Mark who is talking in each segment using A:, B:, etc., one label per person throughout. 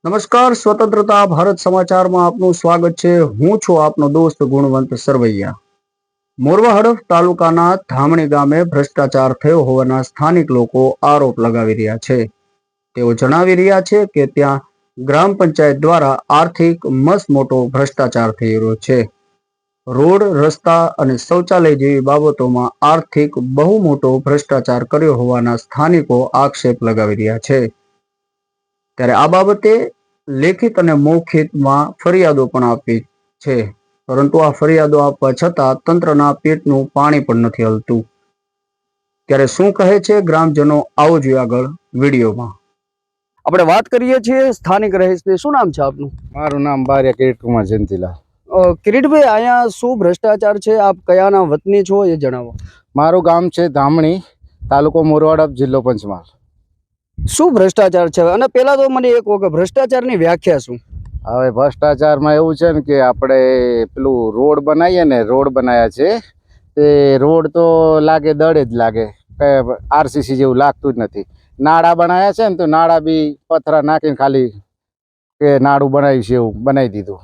A: નમસ્કાર, સ્વતંત્રતા ભારત સમાચારમાં આપનું સ્વાગત છે। હું છું આપનો દોસ્ત ગુણવંત સરવૈયા। મોરવા હડફ તાલુકાના ધામણી ગામે ભ્રષ્ટાચાર થયો હોવાના સ્થાનિક લોકો આરોપ લગાવી રહ્યા છે। તેઓ જણાવી રહ્યા છે કે ત્યાં ગ્રામ પંચાયત દ્વારા આર્થિક મસમોટો ભ્રષ્ટાચાર થઈ રહ્યો છે। રોડ, રસ્તા અને શૌચાલય જેવી બાબતોમાં આર્થિક બહુ મોટો ભ્રષ્ટાચાર કર્યો હોવાના સ્થાનિકો આક્ષેપ લગાવી રહ્યા છે। ત્યારે આ બાબતે લેખિત અને મૌખિકમાં ફરિયાદો પણ આપી છે, પરંતુ આ ફરિયાદો આપવા છતાં તંત્રના પેટનું પાણી પણ નથી હલતું। ત્યારે શું કહે છે ગ્રામજનો, આવો જોઈએ આગળ વિડીયોમાં। આપણે વાત કરીએ છીએ સ્થાનિક રહીશની। શું નામ છે આપનું?
B: મારું નામ બારિયા કિરીટકુમાર જયંતિલાલ।
A: કિરીટભાઈ, અહીંયા શું ભ્રષ્ટાચાર છે? આપ કયાના વતની છો એ જણાવો।
B: મારું ગામ છે ધામણી, તાલુકો મોરવાડ, જિલ્લો પંચમહાલ।
A: શું ભ્રષ્ટાચાર છે? અને પેલા તો મને એક વખત ભ્રષ્ટાચારની વ્યાખ્યા શું?
B: હવે ભ્રષ્ટાચારમાં એવું છે ને કે આપણે પેલું રોડ બનાવીએ ને, રોડ બનાવ્યા છે તે રોડ તો લાગે દડે જ લાગે, કઈ આરસીસી જેવું લાગતું જ નથી। નાળા બનાવ્યા છે ને તો નાળા બી પથરા નાખીને ખાલી કે નાળું બનાવ્યું છે એવું બનાવી દીધું।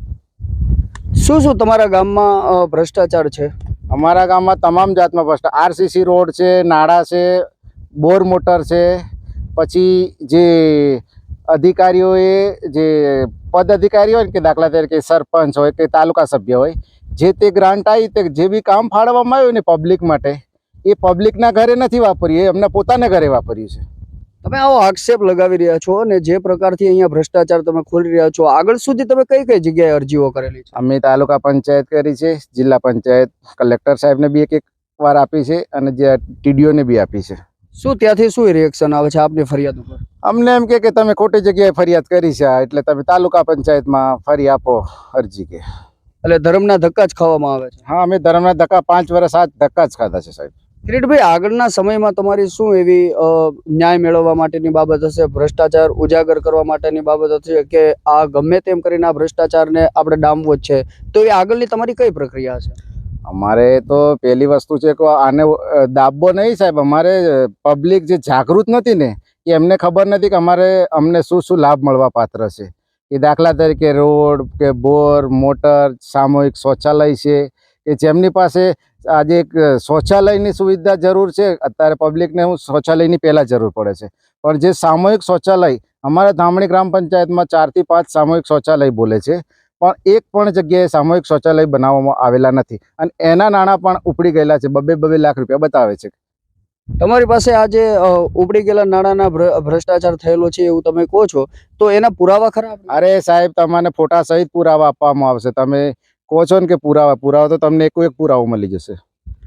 A: શું શું તમારા ગામમાં ભ્રષ્ટાચાર છે?
B: અમારા ગામમાં તમામ જાતમાં ભ્રષ્ટાચાર, આરસીસી રોડ છે, નાળા છે, બોર મોટર છે, પછી જે અધિકારીઓએ જે પદ અધિકારી હોય ને, કે દાખલા તરીકે સરપંચ હોય કે તાલુકા સભ્ય હોય, જે તે ગ્રાન્ટ આવી તે જે બી કામ ફાળવવામાં આવ્યું ને પબ્લિક માટે, એ પબ્લિકના ઘરે નથી વાપર્યું, એ એમના પોતાના ઘરે વાપર્યું છે।
A: તમે આવો આક્ષેપ લગાવી રહ્યા છો અને જે પ્રકારથી અહીંયા ભ્રષ્ટાચાર તમે ખોલી રહ્યા છો, આગળ સુધી તમે કઈ કઈ જગ્યાએ અરજીઓ કરેલી છે?
B: અમે તાલુકા પંચાયત કરી છે, જિલ્લા પંચાયત, કલેક્ટર સાહેબને બી એક વાર આપી છે અને જે ટીડીઓને બી આપી છે।
A: શું ત્યાંથી શું રિએક્શન આવે છે આપની ફરિયાદ ઉપર?
B: અમને એમ કે તમે ખોટી જગ્યાએ ફરિયાદ કરી છે, એટલે તમે તાલુકા પંચાયતમાં ફરી આપો અરજી કે।
A: એટલે ધર્મના ધક્કા જ ખાવામાં આવે છે?
B: હા, અમે ધર્મના ધક્કા 5 વર્ષ આ ધક્કા જ ખાધા છે સાહેબ।
A: કિરીટભાઈ, આગળના સમયમાં તમારી શું એવી ન્યાય મેળવવા માટેની બાબત હશે, ભ્રષ્ટાચાર ઉજાગર કરવા માટેની બાબત હશે કે આ ગમે તેમ કરીને આ ભ્રષ્ટાચારને આપણે ડામવો જ છે, તો એ આગળની તમારી કઈ પ્રક્રિયા છે?
B: અમારે તો પહેલી વસ્તુ છે કે આને દાબવો નહીં સાહેબ। અમારે પબ્લિક જે જાગૃત નથી ને, એ એમને ખબર નથી કે અમને શું શું લાભ મળવા પાત્ર છે। એ દાખલા તરીકે રોડ કે બોર, મોટર, સામૂહિક શૌચાલય છે, કે જેમની પાસે આજે એક શૌચાલયની સુવિધા જરૂર છે, અત્યારે પબ્લિકને હું શૌચાલયની પહેલાં જરૂર પડે છે, પણ જે સામૂહિક શૌચાલય અમારા ધામણી ગ્રામ પંચાયતમાં 4 થી 5 સામૂહિક શૌચાલય બોલે છે, પણ એક પણ જગ્યાએ સામૂહિક શૌચાલય બનાવવામાં આવેલા નથી અને એના નાણાં પણ ઉપડી ગયેલા છે, 2-2 લાખ રૂપિયા બતાવે છે।
A: તમારી પાસે આજે ઉપડી ગયેલા નાણાંના ભ્રષ્ટાચાર થયેલો છે એવું તમે કહો છો, તો એના પુરાવા ખરા?
B: અરે સાહેબ, તમને ફોટા સહિત પુરાવા આપવામાં આવશે। તમે કહો છો ને કે પુરાવા તો તમને એક પુરાવો મળી જશે।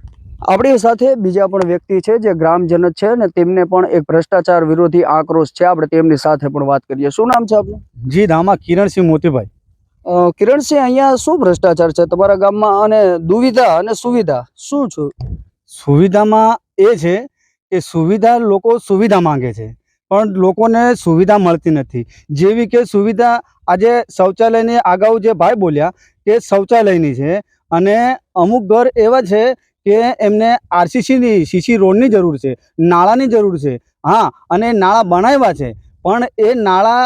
A: આપણી સાથે બીજા પણ વ્યક્તિ છે જે ગ્રામજન છે ને, તેમને પણ એક ભ્રષ્ટાચાર વિરોધી આક્રોશ છે, આપણે તેમની સાથે પણ વાત કરીએ। શું નામ છે આપનું?
C: જી, ધામા કિરણસિંહ મોતીભાઈ।
A: કિરણસિંહ, અહીંયા શું ભ્રષ્ટાચાર છે તમારા ગામમાં અને દુવિધા અને સુવિધા શું છે?
C: સુવિધામાં એ છે કે સુવિધા, લોકો સુવિધા માંગે છે પણ લોકોને સુવિધા મળતી નથી। જેવી કે સુવિધા આજે શૌચાલયની અગાઉ જે ભાઈ બોલ્યા કે શૌચાલયની છે, અને અમુક ઘર એવા છે કે એમને આરસીસીની સીસી રોડની જરૂર છે, નાળાની જરૂર છે। હા, અને નાળા બનાવ્યા છે, પણ એ નાળા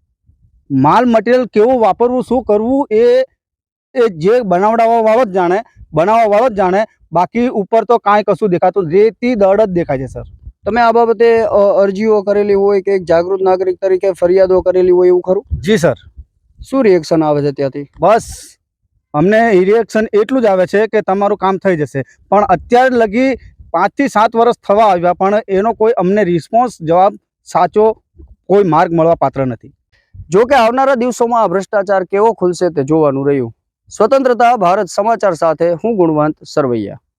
C: માલ મટીરિયલ કેવું વાપરવું, શું કરવું, એ જે બનાવડાવવાવાળો જ જાણે, બાકી ઉપર તો કાંઈ કશું દેખાતું, રેતી દડ જ દેખાય છે સર। તમે આ બાબતે અરજીઓ કરેલી હોય કે એક જાગૃત નાગરિક તરીકે ફરિયાદો કરેલી હોય એવું ખરું? જી સર।
A: શું રિએક્શન આવે છે ત્યાંથી?
C: બસ અમને રિએક્શન એટલું જ આવે છે કે તમારું કામ થઈ જશે, પણ અત્યાર લગી 5 થી 7 વર્ષ થવા આવ્યા, પણ એનો કોઈ અમને રિસ્પોન્સ, જવાબ, સાચો કોઈ માર્ગ મળવા પાત્ર નથી।
A: જો કે આવનારા દિવસોમાં આ ભ્રષ્ટાચાર કેવો ખુલશે તે જોવાનું રહ્યું। સ્વતંત્રતા ભારત સમાચાર સાથે હું ગુણવંત સરવૈયા।